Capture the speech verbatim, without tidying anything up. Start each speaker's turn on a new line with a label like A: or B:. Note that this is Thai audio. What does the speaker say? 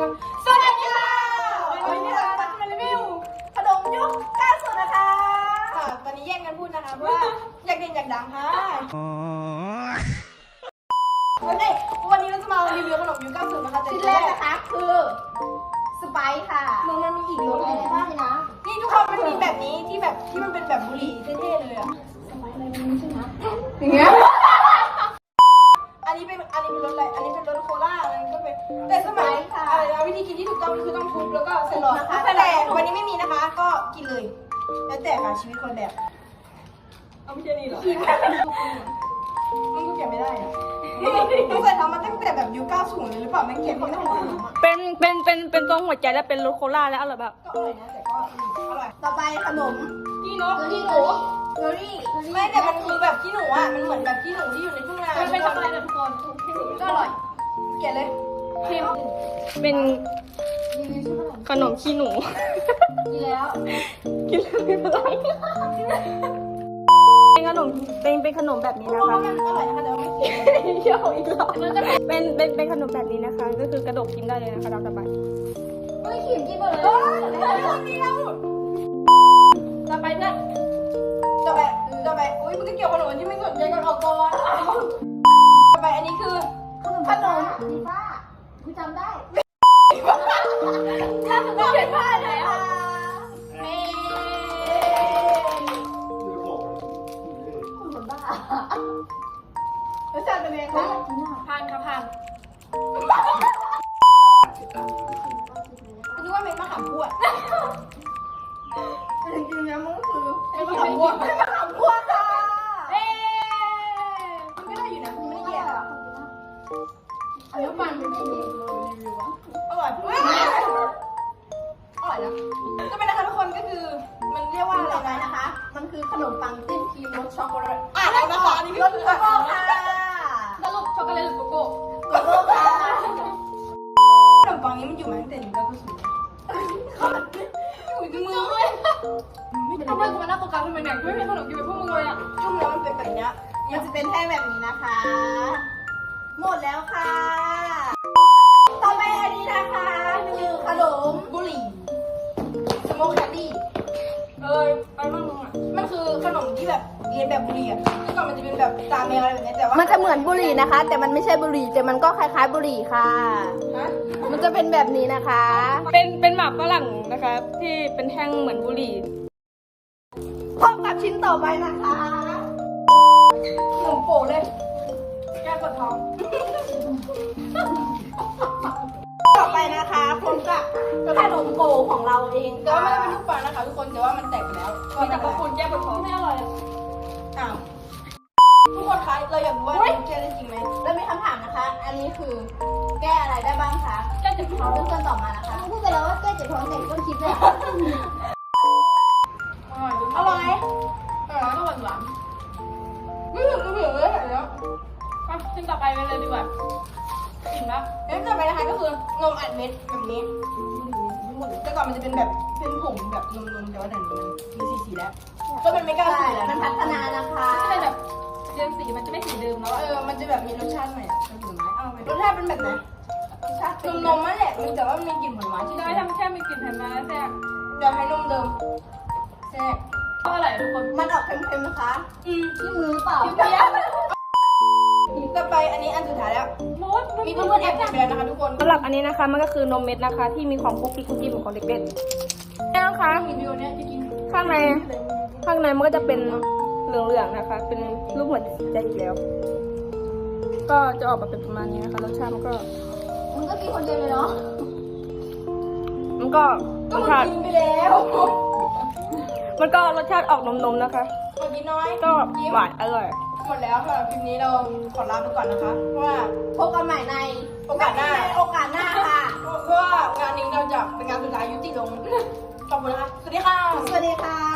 A: คนสวัสดีค่ะวันนี้เราจะมารีวิวขนมยุคเก้าสิบนะคะวันนี้แย่งกันพูดนะคะเพราะว่าอยากเด่นอยากดังค่ะวันนี้วันนี้เราจะมารีวิวขนมยุคเก้าสิบนะคะชิ้นแรกนะคะคือสไปซ์ค่ะมันมันมีอีกรสอะไรบ้างนะนี่ทุกคนมันมีแบบนี้ที่แบบที่มันเป็นแบบบุหรี่เท่ๆเลยอะสไปซ์อะไรมันใช่ไหมอย่างเงี้ยอันนี้เป็นอันนี้เป็นรสอะไรอันนี้เป็นรสโคลาอะไรก็เป็นแต่สมัยอะไรนะวิธีกินที่ถูกต้องคือต้องทุบแล้วก็ใส่หลอดนะคะแต่วันนี้ไม่มีนะคะก็กินเลยแล้วแต่ค่ะชีวิตคนแบบเอาไม่ใช่นี่หรอมันก็เก็บไม่ได้อะต้องใส่ทำมาตั้งแต่แบบยุคเก้าสิบเลยหรือเปล่ามันเก็บไม่ได้
B: เป็นเป็นเป็นเป็นตรงหัวใจและเป็นรสโคลาแล้วอร่อยแบบ
A: ก็อร่อยนะแต่ก็อร่อยต่อไปขนมกี้นกกี้หนูเกอรี่ไม่แต่มันคือแบบกี้หนูอ่ะมันเหมือนแบบกี้หนูที่อยู่ในทุ่งนามันเป็นช็อกโกแลตทุกคนก็อร่อยเกลียดเลยพิม
B: เป็นขนมขี้หนู
A: กินแล้ว
B: กินแล้วไม่เป็นไรเป็นขนมเป็นเป็นขนมแบบนี้นะคะ
A: มันอร่อยนะคะแต่ว่าไม่เค็ม
B: เยอะอีกแล้วเป็นเป็นเป็นขนมแบบนี้นะคะก็คือกระดกกินได้เลยนะคะตามสบาย
A: ไม่ขิมกินหมดเลยคนนี้เราต่อไปเนี่ยต่อไปต่อไปอุ้ยมันก็เกี่ยวกับขนมที่ไม่สนใจกันออกก่อนต่อไปอันนี้คือขนมดีฟ้ากูจำได้ถ้าคุณต้องเป็นผ้าแล้วเฮ้ยคนบ้ารสชาติเป็นไงคะพันค่ะพันคิดว่าเม็ดมะขามพวดจริงๆนะมันก็คือเม็ดมะขามพวดเม็ดมะขามพวดค่ะเอ๊มันก็ได้อยู่นะมันไม่ได้แย่หรอกอันนี้มันเป็นรีวิวอร่อยอร่อยนะก็เป็นนะคะทุกคนก็คือมันเรียกว่าอะไรนะคะมันคือขนมปังจิ้มครีมรสช็อกโกแลตอ่ะแล้วนะคะอันนี้รสโกโก้ค่ะสรุปช็อกโกแลตหรือโกโก้โกโก้ค่ะขนมปังนี้มันอยู่มาตั้งแต่หนึ่งเก้าเก้าศูนย์อยู่ในมือเลยทำไมกูมานั่งโฟกัสทำไมเนี่ยกูไม่มีขนมกินแบบพวกมึงเลยอ่ะช่วงนี้มันเป็นแบบนี้มันจะเป็นแท่งแบบนี้นะคะหมดแล้วค่ะต่อไปอันนี้นะคะคือขนมบุหรี่สโมกแคนดี้เออไปบ้างมึงอ่ะมันคือขนมที่แบบเรียนแบบบุหรี่อ่ะที่ก่อนมันจะเป็นแบบตาแมวอะไรแบบนี้แต่ว่า
B: มันจะเหมือนบุหรี่นะคะแต่มันไม่ใช่บุหรี่แต่มันก็คล้ายๆบุหรี่ค่ะมันจะเป็นแบบนี้นะคะเป็นเป็นหมากฝรั่งนะคะที่เป็นแท่งเหมือนบุหรี่
A: พบกับชิ้นต่อไปนะคะขนมโป๋เลยแก้ปวดท้องต่อไปนะคะพบกับขนมโก๋ของเราเองแต่ว่าไม่ได้เป็นลูกปังนะคะทุกคนแต่ว่ามันแตกไปแล้วมีแต่กระปุกแก้ปวดท้องไม่อร่อยอ้าวทุกคนคะเราอยากรู้ว่าแก้ได้จริงไหมแล้วมีคำถามนะคะ อันนี้คือแก้อะไรได้บ้างคะแก้เจ็บท้องเพื่อนๆตอบมานะคะพูดไปแล้วว่าแก้เจ็บท้องแต่ต้นคลิปเลยอร่อยอร่อยอร่อยหวานไม่ถึงไม่ถึงเลยเดี๋ยว
B: ชิ้นต่อไปไปเลยดีกว่าอิ่มแล้ว
A: เอ๊ะต่อไปนะคะก็คือนมอัดเม็ดแบบนี้แต่ก่อนมันจะเป็นแบบเป็นผงแบบนมๆแต่ว่าเดี๋ยวนี้มันมีสีๆแล้วก็เป็นไม่กล้าสีแล้วมันพัฒนานะคะ
B: ไม่ใช่แบบเรื่องสีมันจะไม่สีเดิมแล้ว
A: เออมันจะแบบมีรสชาติใหม่เป็นผลไม้เอาไปรสชาติเป็นแบบไหนรสชาตินมๆนั่นแหละมันแต่ว่ามันมีกลิ่นผลไม้ที่
B: ได้ทำแค่มีกลิ่นแผ่นมาแล้วแซ่บ
A: เดี๋ยวให้นมเดิมแซ่บ
B: ก็อร่อยทุกคน
A: มันออกเค็มๆนะคะอืมที่มือเปล่าเพี้ยต่อไปอันนี้อันสุดท้ายแล้วมีเพื่อนๆแอบไปแล้วนะคะทุกคน
B: สำหรับอันนี้นะคะมันก็คือนมเม็ดนะคะที่มีของคุกกี้คุกกี้เหมือนของเด็กๆนี่นะคะข้างในข้างในมันก็จะเป็นเหลืองๆนะคะเป็นรูปหัวใจอีกแล้วก็จะออกมาเป็นประมาณนี้นะคะรสชาติมันก็
A: มันก็กินคนเดียวเลยเนาะ
B: มันก็รสชาติ
A: กินไปแล้ว
B: มันก็รสชาติออกนมๆนะคะ
A: คนกินน้อย
B: ก็หวานอร่อย
A: หมดแล้วค่ะคลิปนี้เราขอลาไปก่อนนะคะเพราะว่าพบกันใหม่ในโอกาสหน้าโอกาสหน้าค่ะเพราะว่างานนี้เราจะเป็นงานสุดท้ายยุติลงขอบคุณนะคะสวัสดีค่ะสวัสดีค่ะ